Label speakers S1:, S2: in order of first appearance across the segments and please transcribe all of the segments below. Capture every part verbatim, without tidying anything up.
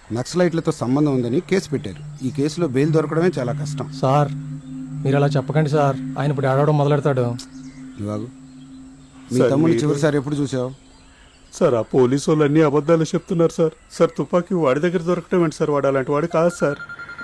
S1: నక్సలైట్లతో సంబంధం ఉందని కేసు పెట్టారు. ఈ కేసులో బెయిల్ దొరకడమే చాలా కష్టం.
S2: సార్ మీరు అలా చెప్పకండి సార్, ఆయన ఇప్పుడు ఆడవడం మొదలెడతాడు.
S1: ఇవాగు మీ తమ్ముడిని చివరిసారి ఎప్పుడు చూసావు?
S3: సార్ ఆ పోలీసు వాళ్ళు అన్ని అబద్ధాలు చెప్తున్నారు సార్. సార్ తుపాకీ వాడి దగ్గర దొరకటం ఏంటి సార్? వాడు అలాంటి వాడు కాదు సార్.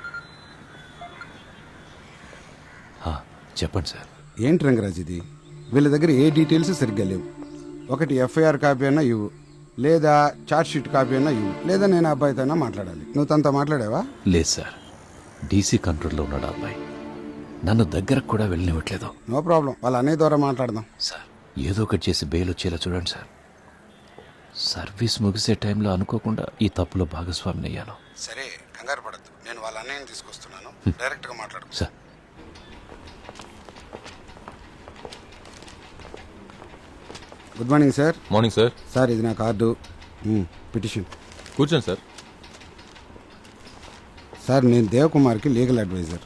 S4: చెప్పండి సార్.
S1: ఏంటి రంగరాజ్ ఇది? వీళ్ళ దగ్గర ఏ డీటెయిల్స్ సరిగ్గా లేవు. ఒకటి ఎఫ్ఐఆర్ కాపీ అన్నా ఇవ్వు, లేదా చార్జ్ షీట్ కాపీ అన్నా ఇవ్వు, లేదా నేను అబ్బాయితో అయినా మాట్లాడాలి. నువ్వు తనతో మాట్లాడావా?
S4: లేదు సార్, డీసీ కంట్రోల్లో ఉన్నాడు అబ్బాయి. నన్ను దగ్గరకు కూడా వెళ్ళనివ్వట్లేదు.
S1: నో ప్రాబ్లం, వాళ్ళ అన్నయ్య ద్వారా మాట్లాడదాం.
S4: సార్ ఏదో ఒకటి చేసి బెయిల్ వచ్చేలా చూడండి సార్. సర్వీస్ ముగిసే టైంలో అనుకోకుండా ఈ తప్పులో భాగస్వామిని అయ్యాను.
S1: సరే కంగారు పడద్దు, నేను వాళ్ళ అన్నయ్యని తీసుకొస్తున్నాను, డైరెక్ట్గా మాట్లాడు.
S4: Sir
S1: good morning sir.
S5: Morning sir.
S1: Sir ఇది నా కార్డు, పిటిషన్.
S5: కూర్చోండి సార్.
S1: సార్ నేను దేవకుమార్కి లీగల్ అడ్వైజర్.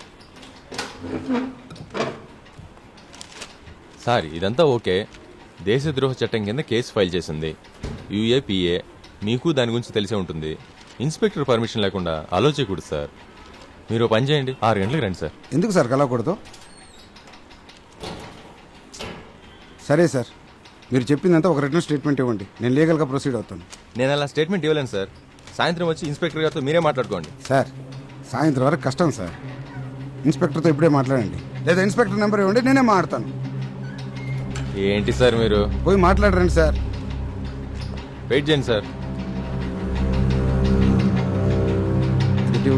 S5: సార్ ఇదంతా ఓకే. దేశద్రోహ చట్టం కింద కేసు ఫైల్ చేసింది యూఏపీఏ. మీకు దాని గురించి తెలిసే ఉంటుంది. ఇన్స్పెక్టర్ పర్మిషన్ లేకుండా అలో చేయకూడదు సార్. మీరు పని చేయండి, ఆరు గంటలకు రండి సార్.
S1: ఎందుకు సార్ కలవకూడదు? సరే సార్, మీరు చెప్పిందంతా ఒక రిటర్న్ స్టేట్మెంట్ ఇవ్వండి, నేను లీగల్గా ప్రొసీడ్ అవుతాను.
S5: నేను అలా స్టేట్మెంట్ ఇవ్వలేను సార్. సాయంత్రం వచ్చి ఇన్స్పెక్టర్ గారితో మీరే మాట్లాడుకోండి.
S1: సార్ సాయంత్రం వరకు కష్టం సార్. ఇన్స్పెక్టర్తో ఇప్పుడే మాట్లాడండి, లేదా ఇన్స్పెక్టర్ నెంబర్ ఇవ్వండి, నేనే మాట్లాడతాను.
S5: ఏంటి సార్ మీరు?
S1: పోయి మాట్లాడరండి సార్.
S5: వెయిట్ చేయండి సార్.
S1: ఇటు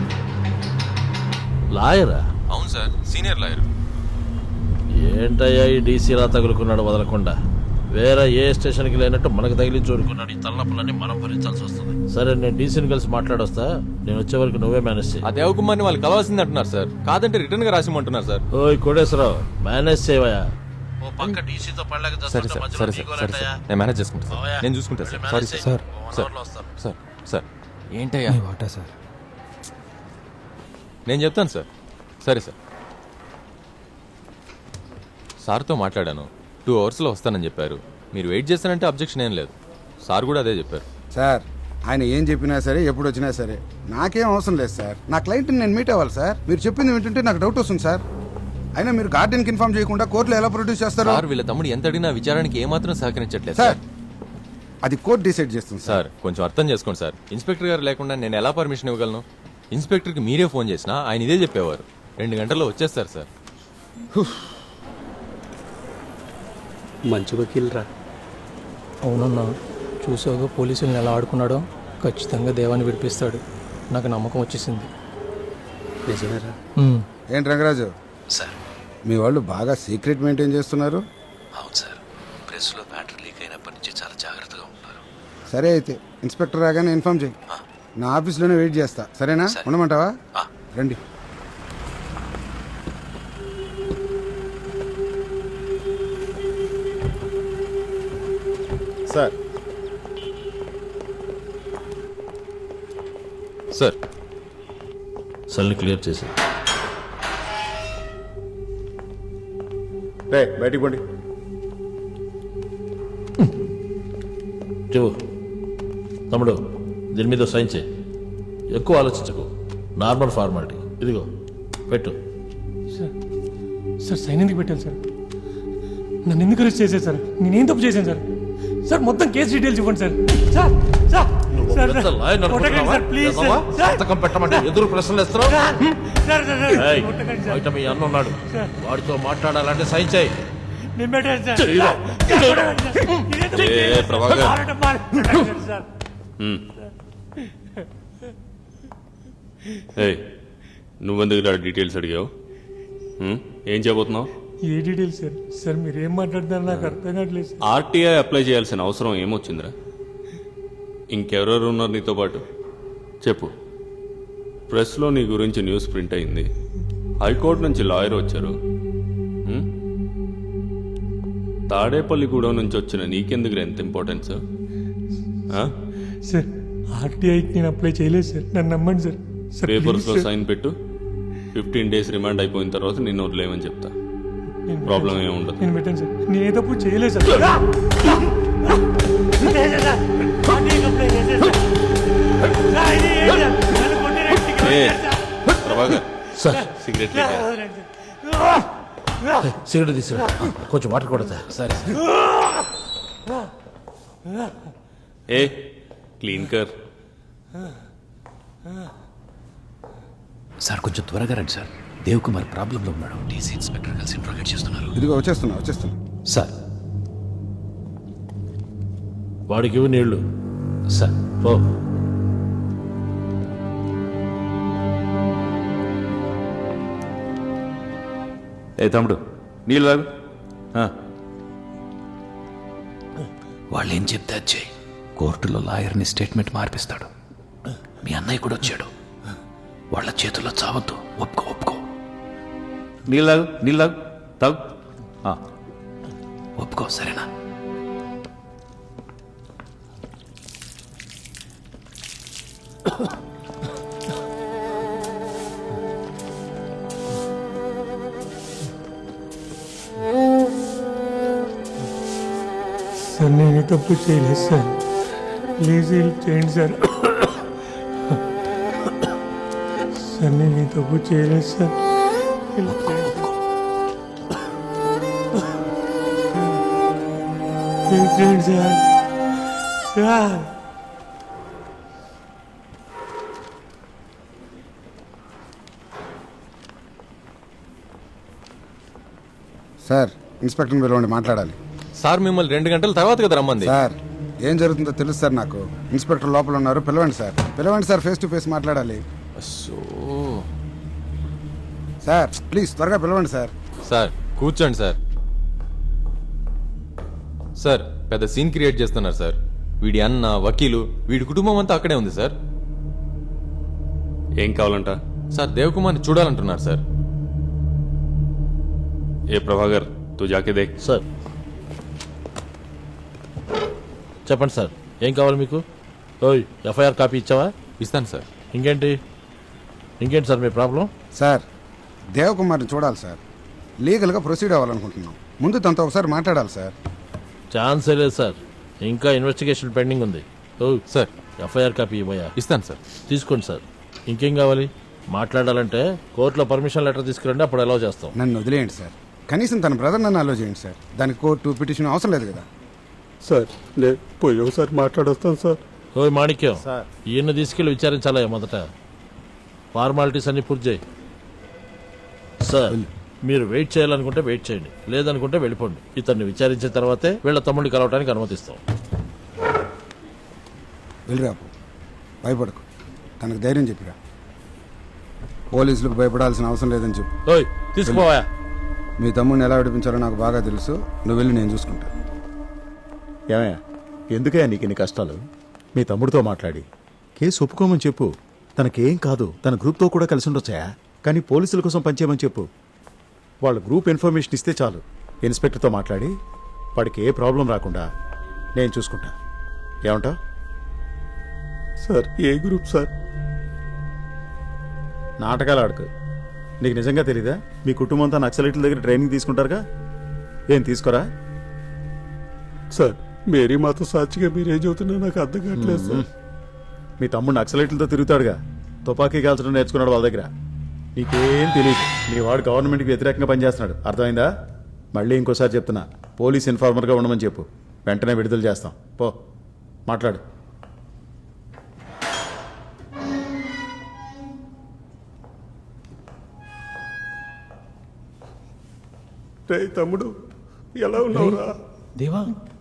S6: లాయరా?
S5: అవును సార్, సీనియర్ లాయర్.
S6: ఏంటయ్యా ఈ డీసీలా తగులుకున్నాడు వదలకుండా? వేరే ఏ స్టేషన్కి లేనట్టు మనకు తగిలి చూడుకున్నాడు. ఈ తలనొప్పులన్నీ మనం భరించాల్సి వస్తుంది. సరే నేను డీసీని కలిసి మాట్లాడొస్తా, నేను వచ్చే వరకు నువ్వే మేనేజ్ చేయి.
S5: ఆ దేవకుమార్ని వాళ్ళు కలవాల్సింది అంటున్నారు సార్. కాదంటే రిటర్న్ గా రాసిమంటున్నారు సార్.
S6: ఓయ్ కోటేశ్వరరావు, మేనేజ్ చేయవయ్యా. ఓ పక్క డీసీతో పడలేక
S5: సరే సార్, సరే సార్, సరే సార్, నేను మేనేజ్ చేసుకుంటా సార్. నేను చూసుకుంటా sir. Sorry sir.
S2: Sir
S5: sir sir sir ఏంటయ్యా?
S2: వాటా సార్,
S5: నేను చెప్తాను సార్. సరే సార్, సార్తో మాట్లాడాను. టూ అవర్స్లో వస్తానని చెప్పారు. మీరు వెయిట్ చేస్తానంటే అబ్జెక్షన్ ఏం లేదు. సార్ కూడా అదే చెప్పారు.
S1: సార్ ఆయన ఏం చెప్పినా సరే, ఎప్పుడు వచ్చినా సరే నాకేం అవసరం లేదు సార్. నా క్లయింట్ని నేను మీట్ అవ్వాలి సార్. మీరు చెప్పింది వింటుంటే నాకు డౌట్ వస్తుంది సార్. అయినా మీరు గార్డెన్కి ఇన్ఫార్మ్ చేయకుండా కోర్టులో ఎలా ప్రొడ్యూస్ చేస్తారు?
S5: సార్ వీళ్ళ తమ్ముడు ఎంత అడిగినా విచారానికి ఏమాత్రం సహకరించట్లేదు
S1: సార్.
S5: సార్.
S1: అది కోర్టు డిసైడ్ చేస్తుంది సార్.
S5: సార్ కొంచెం అర్థం చేసుకోండి సార్. ఇన్స్పెక్టర్ గారు లేకుండా నేను ఎలా పర్మిషన్ ఇవ్వగలను? ఇన్స్పెక్టర్కి మీరే ఫోన్ చేసినా ఆయన ఇదే చెప్పేవారు. రెండు గంటల్లో వచ్చేస్తారు సార్.
S3: మంచి వకీల్ రా.
S2: అవునన్నా, చూసావుగా పోలీసులను ఎలా ఆడుకున్నాడో. ఖచ్చితంగా దేవాన్ని విడిపిస్తాడు, నాకు నమ్మకం వచ్చేసింది.
S3: నిజమేరా?
S2: ఉమ్.
S1: ఏంటి రంగరాజు,
S4: సార్.
S1: మీ వాళ్ళు బాగా సీక్రెట్ మెయింటైన్ చేస్తున్నారు.
S4: అవును సార్, ప్రెస్లో మ్యాటర్ లీక్ అయినప్పటి నుంచి చాలా జాగ్రత్తగా ఉన్నారు.
S1: సరే అయితే ఇన్స్పెక్టర్ రాగానే ఇన్ఫార్మ్ చేయి. నా ఆఫీస్లోనే వెయిట్ చేస్తా, సరేనా?
S4: సరే.
S1: ఉండమంటావా?
S4: ఆ.
S1: రండి.
S5: సార్ సార్
S6: సెల్ని క్లియర్ చేసి
S3: రే బయటికి పోండి.
S6: చెవు తమ్ముడు, దీని మీద సైన్ చేయి. ఎక్కువ ఆలోచించకు, నార్మల్ ఫార్మాలిటీ. ఇదిగో పెట్టు.
S2: సార్ సార్ సైన్ ఎందుకు పెట్టాను సార్? నన్ను ఎందుకు అరెస్ట్ చేశారు సార్? నేనేం తప్పు చేశాను సార్? సార్ మొత్తం కేసు డీటెయిల్స్ ఇవ్వండి సార్. సార్ సార్ సార్ కొట్టకండి సార్, ప్లీజ్ సార్.
S6: సంతకం పెట్టమంటే ఎదురు ప్రశ్నలు ఇస్తున్నావు.
S2: సార్ సార్ సార్
S6: ఏయ్,
S2: కొట్టకండి సార్.
S6: బయట మీ అన్న ఉన్నాడు, వాడితో మాట్లాడాలంటే సైన్ చేయి.
S2: నేను పెట్టాను సార్.
S6: చెయ్యిరా.
S2: కొట్టకండి సార్. నేనేం తప్పు
S5: ఏ,
S2: చేయలేదు.
S5: ప్రభాకర్.
S2: మారడం మార- కొట్టకండి సార్.
S3: ఏయ్ నువ్వెందుకు ఇలా డీటెయిల్స్ అడిగావు? హ్మ్? ఏం చేయబోతున్నావు?
S2: ఏ డీటెయిల్స్ సార్? సార్ మీరు ఏం మాట్లాడుతున్నారు నాకు అర్థం కావట్లేదు సార్.
S3: ఆర్టీఐ అప్లై చేయాల్సిన అవసరం ఏమొచ్చిందిరా? ఇంకెవరెవరు ఉన్నారు నీతో పాటు? చెప్పు. ప్రెస్లో నీ గురించి న్యూస్ ప్రింట్ అయింది, హైకోర్టు నుంచి లాయర్ వచ్చారు. హ్మ్? తాడేపల్లిగూడెం నుంచి వచ్చిన నీకెందుకు ఎంత ఇంపార్టెన్స్?
S2: సార్ ఆర్టీఐకి నేను అప్లై చేయలేదు సార్, నన్ను నమ్మండి సార్. సార్
S3: పేపర్స్లో
S2: ప్లీజ్ సార్.
S3: సైన్ పెట్టు. ఫిఫ్టీన్ డేస్ రిమాండ్ అయిపోయిన తర్వాత నిన్ను వదిలేయమని చెప్తా.
S2: నేను
S3: ప్రాబ్లం
S2: పెట్టాను
S3: ఏమి ఉండదు.
S2: సార్. నేను పెట్టాను సార్, నేను ఏ తప్పు చేయలేదు సార్. లేదు సార్. ఆర్టీఐకి అప్లై చేశాను సార్. సార్
S3: ఏ ప్రభాకర్
S6: సార్
S3: సిగరెట్ లేక
S6: సిగరెట్ తీసుకురా కొంచెం వాటర్ కొడతా
S4: సరే
S3: ఏ క్లీన్ కర్
S4: సార్ కొంచెం త్వరగా రండి సార్ దేవ్ కుమార్ ప్రాబ్లంలో ఉన్నాడు డీసీ ఇన్స్పెక్టర్ కలిసి ఇంట్రోగేట్ చేస్తున్నారు
S1: ఇదిగో వచ్చేస్తున్నా వచ్చేస్తున్నా
S4: సార్
S6: వాడికి ఇవ్వు నీళ్లు
S4: సార్
S6: పో
S7: ఏ తమ్ముడు నీళ్ళు తాగు. ఆ,
S4: వాళ్ళు ఏం చెప్తే అది చేయి కోర్టులో లాయర్ని స్టేట్మెంట్ మార్పిస్తాడు మీ అన్నయ్య కూడా వచ్చాడు వాళ్ళ చేతుల్లో చావద్దు ఒప్పుకో ఒప్పుకో
S7: నీళ్ళు తాగు నీళ్ళు తాగు తాగు ఆ,
S4: ఒప్పుకో సరేనా
S2: సార్ నేను తప్పు చేయలేదు సార్ ప్లీజ్ హెల్ప్ చేయండి సార్ సార్ నేను ఈ తప్పు చేయలేదు సార్ హెల్ప్ చేయండి. హెల్ప్ చేయండి సార్ సార్
S1: సార్ ఇన్స్పెక్టర్ని పిలవండి మాట్లాడాలి.
S5: సార్ మిమ్మల్ని రెండు గంటల తర్వాత కదా రమ్మంది.
S1: సార్ ఏం జరుగుతుందో తెలుసు సార్ నాకు. ఇన్స్పెక్టర్ లోపల ఉన్నారు, పిలవండి సార్ పిలవండి సార్ ఫేస్ టు ఫేస్ మాట్లాడాలి.
S5: సో
S1: సార్ ప్లీజ్ త్వరగా పిలవండి సార్.
S5: సార్ కూర్చోండి సార్. సార్ పెద్ద సీన్ క్రియేట్ చేస్తున్నారు సార్. వీడి అన్న వకీలు వీడి కుటుంబం అంతా అక్కడే ఉంది సార్.
S3: ఏం కావాలంట?
S5: సార్ దేవకుమార్ని చూడాలంటున్నారు సార్.
S3: ఏ ప్రభాకర్ తూ జాకే దేఖ్.
S6: సార్ చెప్పండి సార్ ఏం కావాలి మీకు? ఓయ్ ఎఫ్ఐఆర్ కాపీ ఇచ్చావా?
S5: ఇస్తాను సార్.
S6: ఇంకేంటి ఇంకేంటి సార్ మీ ప్రాబ్లం?
S1: సార్ దేవకుమార్ని చూడాలి సార్. లీగల్గా ప్రొసీడ్ అవ్వాలనుకుంటున్నాం. ముందు తనతో ఒకసారి మాట్లాడాలి సార్.
S6: ఛాన్సే లేదు సార్, ఇంకా ఇన్వెస్టిగేషన్ పెండింగ్ ఉంది. ఓ
S5: సార్
S6: ఎఫ్ఐఆర్ కాపీ ఇవ్వయా?
S5: ఇస్తాను సార్.
S6: తీసుకోండి సార్. ఇంకేం కావాలి? మాట్లాడాలంటే కోర్టులో పర్మిషన్ లెటర్ తీసుకురండి, అప్పుడు అలౌ చేస్తాం.
S1: నన్ను వదిలేయండి సార్. కనీసం తన బ్రదర్ నన్ను అలో చేయండి సార్. దానికి కోర్టు పిటిషన్ అవసరం లేదు కదా.
S8: సార్ నేను పోయి ఒకసారి మాట్లాడొస్తాను సార్.
S6: ఓయ్ మాణిక్యం, ఈయన్ని తీసుకెళ్ళి విచారించాలా మొదట? ఫార్మాలిటీస్ అన్ని పూర్తి చేయి. సార్ మీరు వెయిట్ చేయాలనుకుంటే వెయిట్ చేయండి, లేదనుకుంటే వెళ్ళిపోండి. ఇతన్ని విచారించిన తర్వాతే వీళ్ళ తమ్ముడిని కలవడానికి అనుమతిస్తాం.
S1: వెళ్ళిరాపు, భయపడకు. తనకు ధైర్యం చెప్పిరా. పోలీసులకు భయపడాల్సిన అవసరం లేదని చెప్పు.
S6: ఓయ్ తీసుకుపోవా.
S1: మీ తమ్ముడిని ఎలా విడిపించాలో నాకు బాగా తెలుసు. నువ్వు వెళ్ళి నేను చూసుకుంటా.
S8: ఏమయ్యా ఎందుకయ్యా నీకు ఇన్ని కష్టాలు? మీ తమ్ముడితో మాట్లాడి కేసు ఒప్పుకోమని చెప్పు. తనకేం కాదు, తన గ్రూప్తో కూడా కలిసి ఉండొచ్చాయా, కానీ పోలీసుల కోసం పనిచేయమని చెప్పు. వాళ్ళ గ్రూప్ ఇన్ఫర్మేషన్ ఇస్తే చాలు. ఇన్స్పెక్టర్తో మాట్లాడి వాడికి ఏ ప్రాబ్లం రాకుండా నేను చూసుకుంటా. ఏమంటావు? సార్ ఏ గ్రూప్ సార్? నాటకాలు ఆడుకు. నీకు నిజంగా తెలీదా? మీ కుటుంబంతో నక్సలైట్ల దగ్గర ట్రైనింగ్ తీసుకుంటారుగా, ఏం తీసుకోరా? సార్ మేరీ మాతో సాక్షిగా మీరేం చెబుతున్నా నాకు అర్థం కావట్లేదు సార్. మీ తమ్ముడు నక్సలైట్లతో తిరుగుతాడుగా, తుపాకీ కాల్చడం నేర్చుకున్నాడు వాళ్ళ దగ్గర. నీకేం తెలియదు. మీ వాడు గవర్నమెంట్కి వ్యతిరేకంగా పనిచేస్తున్నాడు, అర్థమైందా? మళ్ళీ ఇంకోసారి చెప్తున్నా, పోలీస్ ఇన్ఫార్మర్గా ఉండమని చెప్పు. వెంటనే విడుదల చేస్తాం. పో మాట్లాడు. రే తమ్ముడు, ఎలా ఉన్నావురా?
S2: దేవా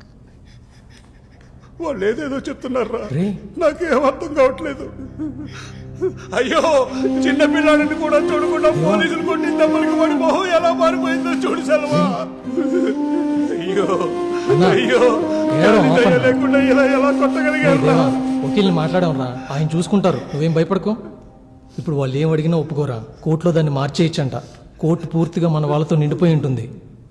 S8: వాళ్ళు ఏదేదో చెప్తున్నారా,
S2: రే.
S8: నాకేం అర్థం కావట్లేదు. అయ్యో చిన్న పిల్లాడిని కూడా చూడకుండా పోలీసులు కొట్టిందమ్మడికి వాడి మొహం ఎలా మారిపోయిందో చూడు సెలవా. అయ్యో అయ్యో దయ లేకుండా ఇలా ఎలా కొట్టగలిగారా?
S9: వకీల్ని మాట్లాడాంరా, ఆయన చూసుకుంటారు, నువ్వేం భయపడకు. ఇప్పుడు వాళ్ళు ఏం అడిగినా ఒప్పుకోరా, కోర్టులో దాన్ని మార్చేయచ్చంట. కోర్టు పూర్తిగా మన వాళ్ళతో నిండిపోయి ఉంటుంది.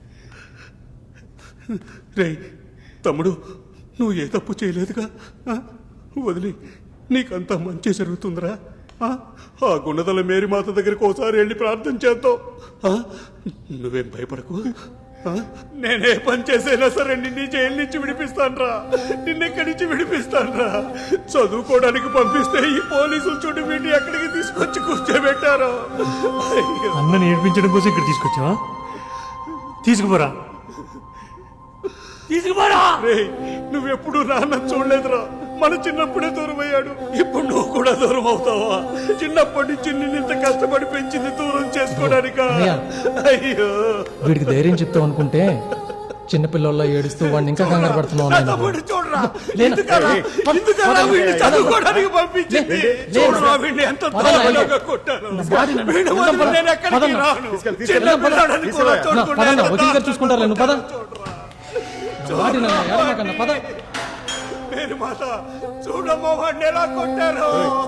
S8: రే తమ్ముడు, నువ్వు ఏ తప్పు చేయలేదుగా, ఆ? వదిలి నీకంతా మంచి జరుగుతుందిరా. ఆ? ఆ గుణదల మేరీ మాత దగ్గరికి ఒకసారి వెళ్ళి ప్రార్థన చేద్దాం. ఆ? నువ్వేం భయపడకు, నేనే పని చేసైనా సరే నిన్ను జైలు నుంచి విడిపిస్తాన్రా, నిన్నెక్కడి నుంచి విడిపిస్తాన్రా. చదువుకోవడానికి పంపిస్తే ఈ పోలీసులు చుట్టూ వీటిని ఎక్కడికి తీసుకొచ్చి కూర్చోబెట్టారు. అయ్యో.
S2: అన్నని ఏడ్పించడం కోసం ఇక్కడ తీసుకొచ్చావా? తీసుకుపోరా, తీసుకుపోరా.
S8: రేయ్, నువ్వెప్పుడు నాన్న చూడలేదురా. మన చిన్నప్పుడే దూరం అయ్యాడు, ఇప్పుడు నువ్వు కూడా దూరం అవుతావా? చిన్నప్పటి నుంచి నిన్ను ఇంత కష్టపడి పెంచింది దూరం చేసుకోవడానికా?
S9: అన్నయ్య.
S8: అయ్యో,
S9: వీడికి ధైర్యం చెప్తావు అనుకుంటే చిన్నపిల్లల్లో ఏడుస్తూ వాడిని ఇంకా కంగారు పడుతున్నావు
S8: నా
S9: నాయన.
S8: తమ్ముడు చూడరా,
S9: లేనా?
S8: ఎందుకలా? ఎందుకలా వీడిని చదువుకోవడానికి పంపించింది? చూడరా, వీడిని ఎంత దారుణంగా కొట్టాను. వీడి వదిలి నేను ఎక్కడికి రాను. చిన్న పిల్లాడని కూడా చూడకుండా
S9: పదన్నా,
S8: ఎంత
S9: వకీల్ గారు చూసుకుంటారులే, నువ్వు పద. వాడి నాన్న, ఏడవకన్నా, పద.
S8: మేరీ మాత, చూడమ్మా వాడిని ఎలా కొట్టారు.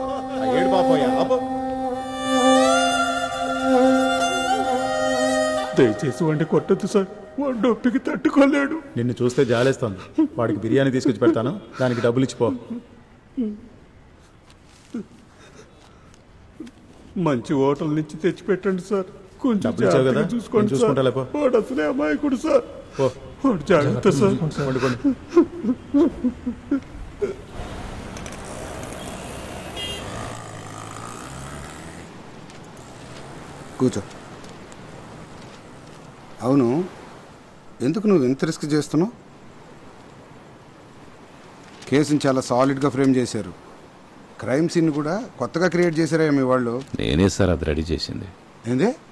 S8: దయచేసి వాడిని కొట్టద్దు సార్, వాడు నొప్పికి తట్టుకోలేడు.
S10: నిన్ను చూస్తే జాలేస్తుంది. వాడికి బిర్యానీ తీసుకొచ్చి పెడతాను, దానికి డబ్బులు ఇచ్చిపో.
S8: మంచి హోటల్ నుంచి తెచ్చి పెట్టండి సార్. కొంచెం
S10: డబ్బులు ఇచ్చావు కదా,
S8: జాగ్రత్తగా చూసుకోండి
S10: నేను
S8: సార్.
S10: చూసుకుంటాలే, పో.
S8: వాడు అసలే అమాయకుడు సార్.
S10: పో.
S8: వాడు జాగ్రత్త సార్.
S10: పండు, పండు.
S1: కూర్చో. అవును, ఎందుకు నువ్వు ఎంత రిస్క్ చేస్తున్నావు? కేసుని చాలా సాలిడ్గా ఫ్రేమ్ చేశారు. క్రైమ్ సీన్ కూడా కొత్తగా క్రియేట్ చేశారా మీ వాళ్ళు?
S4: నేనే సార్ అది రెడీ చేసింది.
S1: ఏందే?